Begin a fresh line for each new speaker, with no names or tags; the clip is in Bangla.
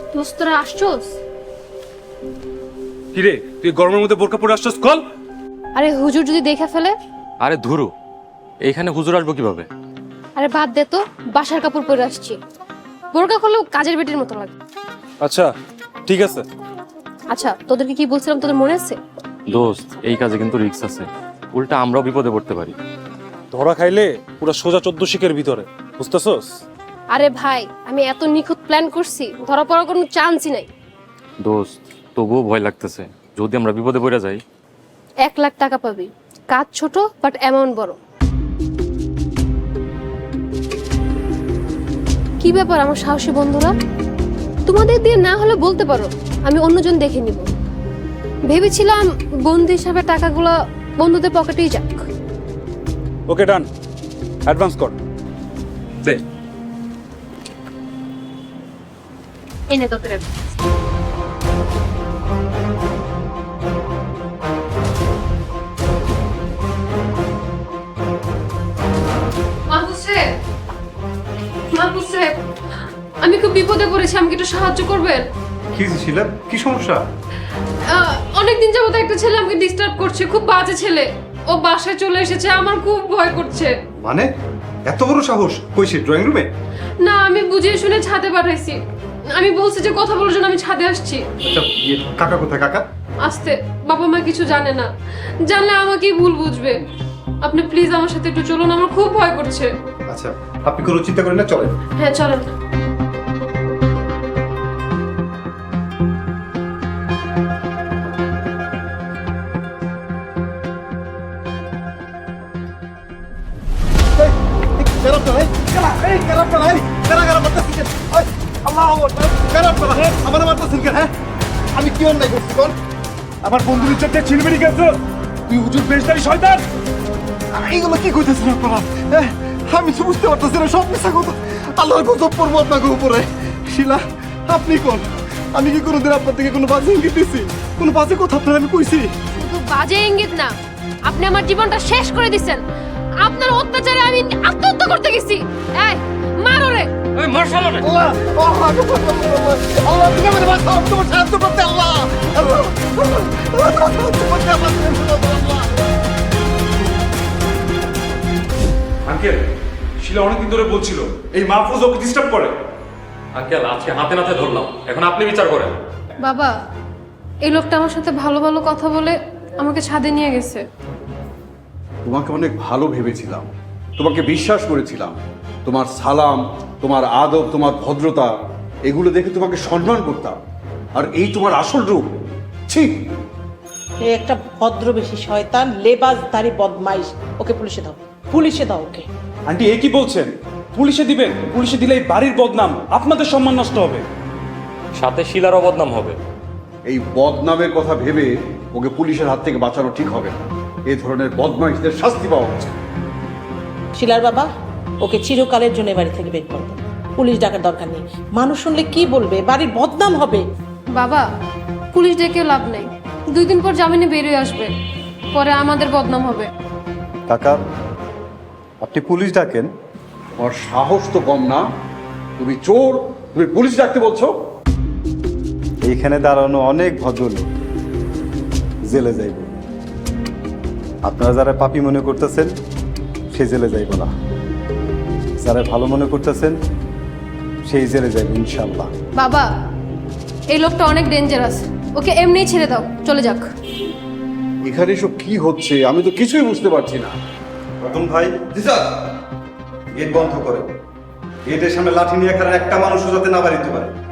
দোস্তরা আসছোস?
কিরে তুই গরমের মধ্যে বোরকা পরে আসছস? কল।
আরে হুজুর যদি দেখে ফেলে?
আরে ধুরু, এইখানে হুজুর আসবো কিভাবে?
আরে বাদ দে তো, বাসার কাপড় পরে আসছি। বোরকা করলেও কাজের বেটির মতো লাগে।
আচ্ছা ঠিক আছে।
আচ্ছা তোদেরকে কি বলছিলাম, তোদের মনে আছে?
দোস্ত, এই কাজে কিন্তু রিস্ক আছে, উল্টা আমরাও বিপদে পড়তে পারি।
ধরা খাইলে পুরো সোজা 14 শিকের ভিতরে, বুঝতেছস?
আরে ভাই, আমি এত নিখুঁত প্ল্যান করছি, ধরা পড়ার কোনো চান্সই নাই।
দোস্ত, তবুও ভয় লাগতেছে, যদি আমরা বিপদে পড়ে যাই।
1 লাখ টাকা পাবি, কাজ ছোট বাট অ্যামাউন্ট বড়। কি ব্যাপার আমার সাহসী বন্ধুরা? তোমাদের দিয়ে না হলে বলতে পারো, আমি অন্যজন দেখে নিব। ভেবেছিলাম বন্ধু হিসাবে টাকাগুলো বন্ধুদের পকেটেই যাক।
ওকে ডান, অ্যাডভান্স কর দে।
এনে তোদের আমি খুব বিপদে পড়েছি, আমাকে একটু সাহায্য করবেন?
কি ছিল? কি সমস্যা?
অনেকদিন যাবত একটা ছেলে আমাকে ডিস্টার্ব করছে, খুব বাজে ছেলে। ও বাসায় চলে এসেছে, আমার খুব ভয় করছে।
মানে এত বড় সাহস? কইছে ড্রয়িং রুমে?
না, আমি বুঝিয়ে শুনে ছাদে পাঠাইছি। আমি বলছি যে কথা বলার জন্য আমি ছাদে আসছি।
আচ্ছা কাকা কোথায়? কাকা
আসতে, বাবা মা কিছু জানে না, জানলে আমাকেই ভুল বুঝবে। আপনি প্লিজ আমার সাথে একটু চলুন, আমার খুব ভয় করছে।
আচ্ছা আপনি কোনো চিন্তা করেন না, চলেন।
হ্যাঁ চলেন।
আমি কি অন্যায় করছি বল? আমার বন্ধুর ইজ্জতে ছিলমিনি গেছ তুই, হুজুর বেশদারি শয়তান! এইগুলো কি কইতেছেন আপনারা? আমি তো বুঝতে পারতেছি না, সব মিথ্যা কথা। আল্লাহর গজব পড়বো আপনাকে উপরে। শিলা, আপনি কোন? আমি কি কোনোদিন আপনার থেকে কোনো বাজে ইঙ্গিত দিছি? কোনো বাজে কথা আপনার আমি কইছি?
শুধু বাজে ইঙ্গিত না, আপনি আমার জীবনটা শেষ করে দিছেন। আপনার অত্যাচারে আমি আত্মহত্যা করতে গেছি। এই মারো রে!
ওই মার্শাল রে!
আল্লাহ, আল্লাহ তুমি আমাকে বাঁচাও, আমি তোমার সাহায্য করতে। আল্লাহ, আল্লাহ, আল্লাহ তোমার সাহায্য করতে। আল্লাহ।
আঙ্কেল, শিলা অনেকদিন ধরে বলছিল এই মাহফুজ ওকে ডিস্টার্ব করে।
আঙ্কেল, আজকে হাতে নাতে ধরলাম, এখন আপনি বিচার করেন।
বাবা, এই লোকটা আমার সাথে ভালো ভালো কথা বলে আমাকে ছাদে নিয়ে গেছে।
তোমাকে অনেক ভালো ভেবেছিলাম, তোমাকে বিশ্বাস করেছিলাম। তোমার সালাম, তোমার আদব, তোমার ভদ্রতা, এগুলো দেখে তোমাকে সম্মান করতাম। আর এই তোমার আসল রূপ। ছি!
এ একটা ভদ্রবেশী শয়তান, লেবাসধারী বদমাইশ। ওকে পুলিশে দাও, পুলিশে দাও ওকে।
আন্টি এ কি বলছেন? পুলিশে দিবেন? পুলিশে দিলে এই বাড়ির বদনাম, আপনাদের সম্মান নষ্ট হবে।
সাথে শিলারও বদনাম হবে।
এই বদনামের কথা ভেবে ওকে পুলিশের হাত থেকে বাঁচানো ঠিক হবে না। এই ধরনের বদমাইশদের শাস্তি পাওয়া উচিত।
শিলার বাবা, ওকে চিরকালের জন্য বাড়ি থেকে বের করে দাও। পুলিশ ডাকার দরকার নেই, মানুষ শুনলে কি বলবে, বাড়ির বদনাম হবে।
বাবা, পুলিশ ডেকে লাভ নেই, 2 দিন পর জামিনে বেরিয়ে আসবে, পরে আমাদের বদনাম হবে।
কাকা, আপনি পুলিশ ডাকেন?
ওর সাহস তো কম না। তুমি চোর, তুমি পুলিশ ডাকতে বলছো?
এইখানে দাঁড়ানো অনেক ভদ্রলোক জেলে যাইব। আপনারা যারা পাপী মনে করতেছেন সে জেলে যাইব না, যারা ভালো মনে করতেছেন সেই জেলে যাইব ইনশাল্লাহ।
বাবা, এই লোকটা অনেক ডেঞ্জারাস, ওকে এমনিই ছেড়ে দাও, চলে যাক।
এখানে এসব কি হচ্ছে আমি তো কিছুই বুঝতে পারছি না।
রতন ভাই, জি স্যার। গেট বন্ধ করে, গেটের সামনে লাঠি নিয়ে এখানে একটা মানুষও যাতে না বাড়িতে পারে।